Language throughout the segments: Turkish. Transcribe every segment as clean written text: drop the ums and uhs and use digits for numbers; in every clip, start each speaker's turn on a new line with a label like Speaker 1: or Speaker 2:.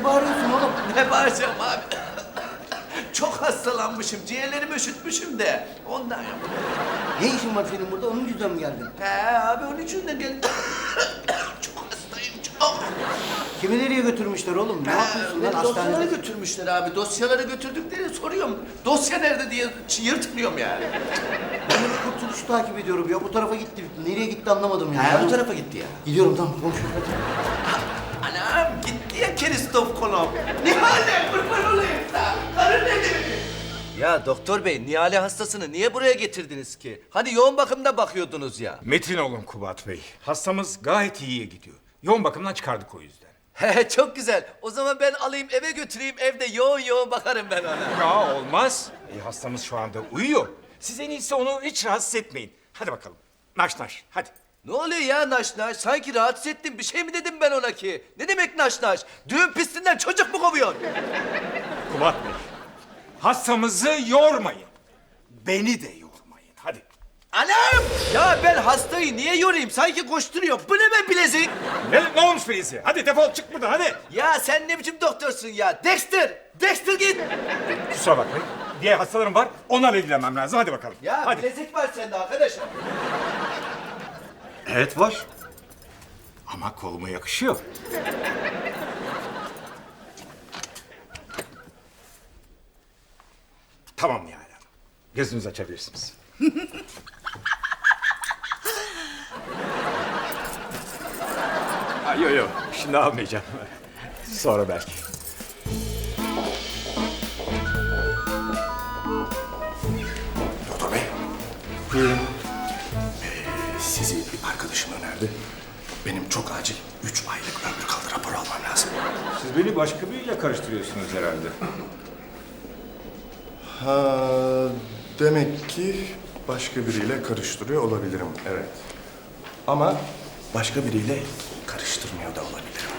Speaker 1: Ne bağırıyorsun oğlum?
Speaker 2: Ne bağıracağım abi? Çok hastalanmışım, ciğerlerimi üşütmüşüm de ondan yok.
Speaker 1: Ne işin var senin burada? Onun yüzünden mi geldin?
Speaker 2: He abi onun için de geldim. Çok hastayım çok.
Speaker 1: Kimi nereye götürmüşler oğlum? Ne yapıyorsun lan
Speaker 2: Dosyaları
Speaker 1: hastanede?
Speaker 2: götürmüşler abi. Dosyaları götürdüklerini soruyorum. Dosya nerede diye yırtmıyorum yani.
Speaker 1: Ben de kurtuluşu takip ediyorum ya. Bu tarafa gitti. Nereye gitti anlamadım ya.
Speaker 2: He bu tarafa gitti ya.
Speaker 1: Gidiyorum tamam konuşuyoruz hadi.
Speaker 2: Anam gitti ya Kristof Kolomb. Nihale kurban olayım da. Karın nerede? Ya doktor bey, Nihale hastasını niye buraya getirdiniz ki? Hani yoğun bakımda bakıyordunuz ya.
Speaker 3: Metin olun Kubat Bey. Hastamız gayet iyiye gidiyor. Yoğun bakımdan çıkardık o yüzden.
Speaker 2: He çok güzel. O zaman ben alayım eve götüreyim. Evde yoğun yoğun bakarım ben ona.
Speaker 3: Ya olmaz. Hastamız şu anda uyuyor. Siz en iyisi onu hiç rahatsız etmeyin. Hadi bakalım. Naş naş hadi.
Speaker 2: Ne oluyor ya naş naş? Sanki rahatsız ettim. Bir şey mi dedim ben ona ki? Ne demek naş naş? Düğün pistinden çocuk mu kovuyorsun?
Speaker 3: Kubat Bey. Hastamızı yormayın. Beni de yormayın. Hadi.
Speaker 2: Anam! Ya ben hastayı niye yorayım? Sanki koşturuyor. Bu ne be bilezik?
Speaker 3: Ne olmuş Filizi? Hadi defol çık buradan hadi.
Speaker 2: Ya sen ne biçim doktorsun ya? Dexter! Dexter git!
Speaker 3: Kusura bakmayın. Diğer hastalarım var. Onlarla ilgilenmem lazım. Hadi bakalım.
Speaker 2: Ya
Speaker 3: hadi.
Speaker 2: bilezik var sende arkadaşım.
Speaker 3: Evet var. Ama koluma yakışıyor. Tamam Nihal Hanım. Gözünüzü açabilirsiniz. Yok yok. Şimdi almayacağım. Sonra belki.
Speaker 4: Doktor bey.
Speaker 3: Buyurun.
Speaker 4: Sizi bir arkadaşım önerdi. Benim çok acil 3 aylık ömür kaldı raporu almam lazım.
Speaker 3: Siz beni başka biriyle karıştırıyorsunuz herhalde.
Speaker 4: Ha, demek ki başka biriyle karıştırıyor olabilirim, evet. Ama başka biriyle karıştırmıyor da olabilirim.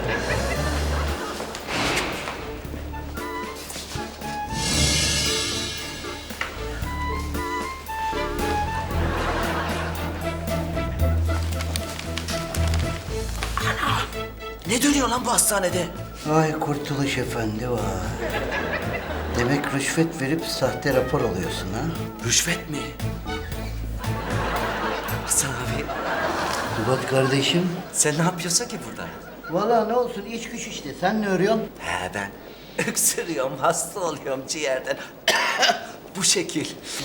Speaker 2: Ne dönüyor lan bu hastanede?
Speaker 1: Vay Kurtuluş Efendi vay. Demek rüşvet verip sahte rapor alıyorsun ha?
Speaker 2: Rüşvet mi? Hasan abi
Speaker 1: Kubat kardeşim.
Speaker 2: sen ne yapıyorsun ki burada?
Speaker 1: Vallahi ne olsun iş güç işte. Sen ne örüyorsun?
Speaker 2: He ben öksürüyorum, hasta oluyorum ciğerden. Bu şekil.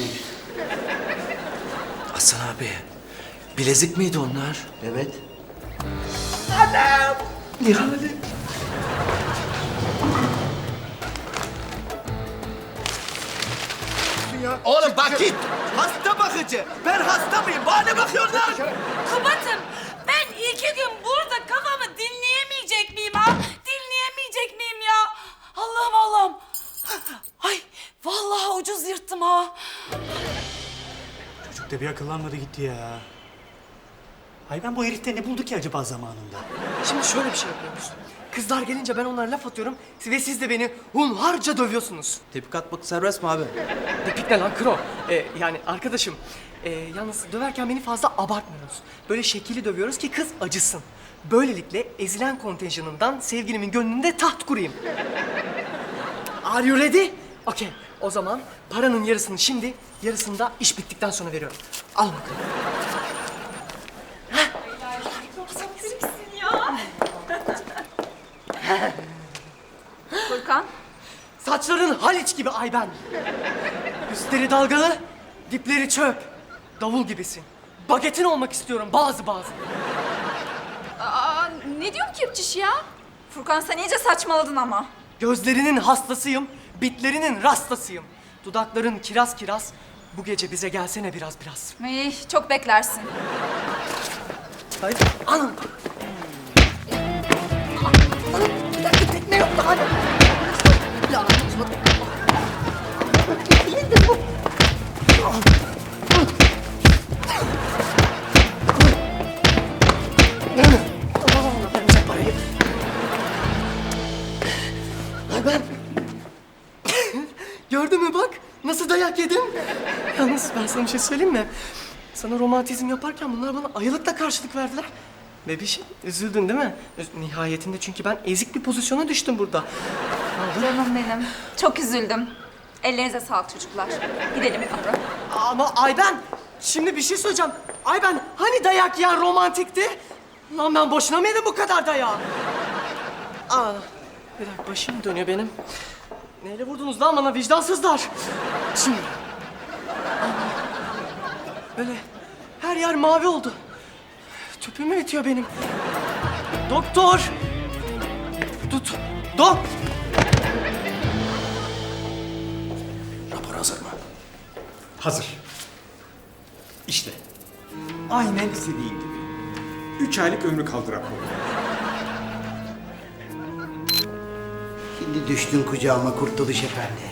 Speaker 2: Hasan abi, bilezik miydi onlar?
Speaker 1: Evet.
Speaker 2: Anam! Nihale. Oğlum bak git! Hasta bakıcı! Ben hasta mıyım? Bana ne bakıyorlar?
Speaker 5: Kubat'ım ben 2 gün burada kafamı dinleyemeyecek miyim ha? Dinleyemeyecek miyim ya? Allah'ım Allah'ım. Ay vallahi ucuz yırttım ha.
Speaker 6: Çocuk da bir akıllanmadı gitti ya. Ay ben bu herifte ne buldu ki acaba zamanında?
Speaker 7: Şimdi şöyle bir şey yapıyoruz. Kızlar gelince ben onlara laf atıyorum ve siz de beni hunharca dövüyorsunuz.
Speaker 8: Tepki atmak serbest mi abi?
Speaker 7: Depik ne lan kro? Yani arkadaşım, yalnız döverken beni fazla abartmıyoruz. Böyle şekilli dövüyoruz ki kız acısın. Böylelikle ezilen kontenjanından sevgilimin gönlünde taht kurayım. Are you ready? Okey. O zaman paranın yarısını şimdi, yarısını da iş bittikten sonra veriyorum. Al bakalım.
Speaker 5: Furkan.
Speaker 7: Saçların Haliç gibi Ayben. Üstleri dalgalı, dipleri çöp. Davul gibisin. Bagetin olmak istiyorum bazı.
Speaker 5: Aa, ne diyor kepçiş ya? Furkan sen iyice saçmaladın ama.
Speaker 7: Gözlerinin hastasıyım, bitlerinin rastasıyım. Dudakların kiraz kiraz. Bu gece bize gelsene biraz.
Speaker 5: Ay, çok beklersin.
Speaker 7: Hayır, anam. Ne yok lan? Ya, gördün mü bak? Nasıl dayak yedim? Yalnız ben sana bir şey söyleyeyim mi? Sana romantizm yaparken bunlar bana ayılıkla karşılık verdiler. Bebişim üzüldün değil mi? Nihayetinde çünkü ben ezik bir pozisyona düştüm burada.
Speaker 8: Canım benim. Çok üzüldüm. Ellerinize sağlık çocuklar. Gidelim Afra.
Speaker 7: Ama Ayben, şimdi bir şey söyleyeceğim. Ayben, hani dayak yiyen romantikti? Lan ben boşuna mı yedim bu kadar dayağı? Aa, bir dakika başım dönüyor benim. Neyle vurdunuz lan bana vicdansızlar? Şimdi... Böyle her yer mavi oldu. Tüpüm bitiyor benim. Doktor! Dok!
Speaker 4: Rapor hazır mı?
Speaker 3: Hazır. İşte. Aynen istediğin gibi. 3 aylık ömrü kaldı raporu.
Speaker 1: Şimdi düştün kucağıma Kurtuluş Efendi.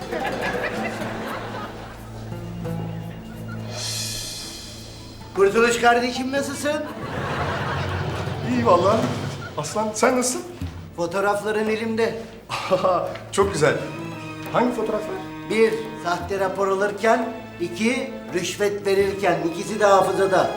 Speaker 1: Kurtuluş kardeşim nasılsın?
Speaker 4: İyi vallahi. Aslan sen nasılsın?
Speaker 1: Fotoğrafların elimde.
Speaker 4: Çok güzel. Hangi fotoğraflar?
Speaker 1: 1. Sahte rapor alırken. 2. Rüşvet verirken. İkisi de hafızada.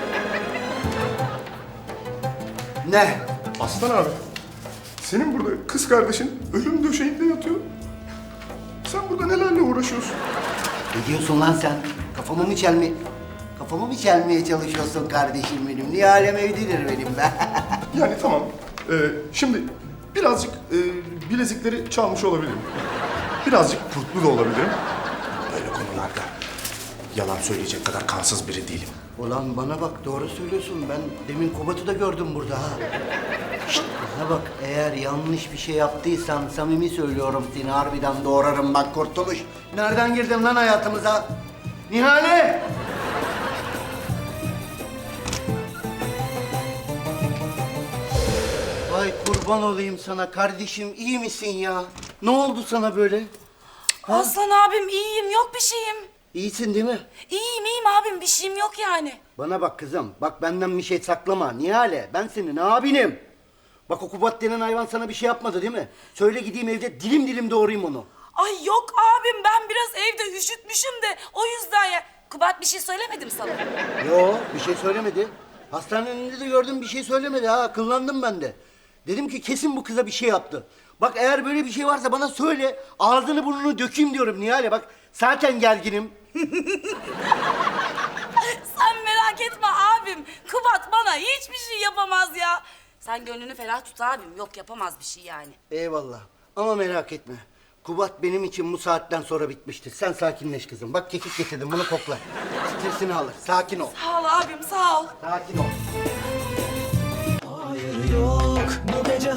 Speaker 1: Ne?
Speaker 4: Aslan abi. Senin burada kız kardeşin ölüm döşeğinde yatıyor. Sen burada nelerle uğraşıyorsun?
Speaker 1: Ne diyorsun lan sen? Kafamı mı çelmeye çalışıyorsun kardeşim benim? Niye alem evlidir benim be?
Speaker 4: Yani tamam. Şimdi birazcık bilezikleri çalmış olabilirim. Birazcık kurtlu da olabilirim. Böyle konularda yalan söyleyecek kadar kansız biri değilim.
Speaker 1: Ulan bana bak doğru söylüyorsun. Ben demin Kubat'ı da gördüm burada ha. Şşt, bana bak eğer yanlış bir şey yaptıysan samimi söylüyorum seni harbiden doğrarım bak Kurtuluş. Nereden girdin lan hayatımıza? Nihale! Vay kurban olayım sana kardeşim iyi misin ya? Ne oldu sana böyle?
Speaker 5: Aslan abim iyiyim, yok bir şeyim.
Speaker 1: İyisin değil mi?
Speaker 5: İyiyim abim, bir şeyim yok yani.
Speaker 1: Bana bak kızım, bak benden bir şey saklama. Nihale, ben senin abinim. Bak o Kubat denen hayvan sana bir şey yapmadı değil mi? Söyle gideyim evde dilim dilim doğrayayım onu.
Speaker 5: Ay yok abim, ben biraz evde üşütmüşüm de o yüzden ya. Kubat bir şey söylemedim sana.
Speaker 1: Yo, bir şey söylemedi. Hastanenin önünde de gördüm bir şey söylemedi ha, kıllandım ben de. Dedim ki kesin bu kıza bir şey yaptı. Bak eğer böyle bir şey varsa bana söyle, ağzını burnunu dökeyim diyorum Nihale bak. Zaten gerginim.
Speaker 5: Sen merak etme abim. Kubat bana hiçbir şey yapamaz ya. Sen gönlünü ferah tut abim. Yok yapamaz bir şey yani.
Speaker 1: Eyvallah. Ama merak etme. Kubat benim için bu saatten sonra bitmiştir. Sen sakinleş kızım. Bak kekik getirdim bunu kokla. Stresini alır. Sakin ol.
Speaker 5: Sağ ol abim sağ ol.
Speaker 1: Sakin ol.
Speaker 9: Hayır yok bu gece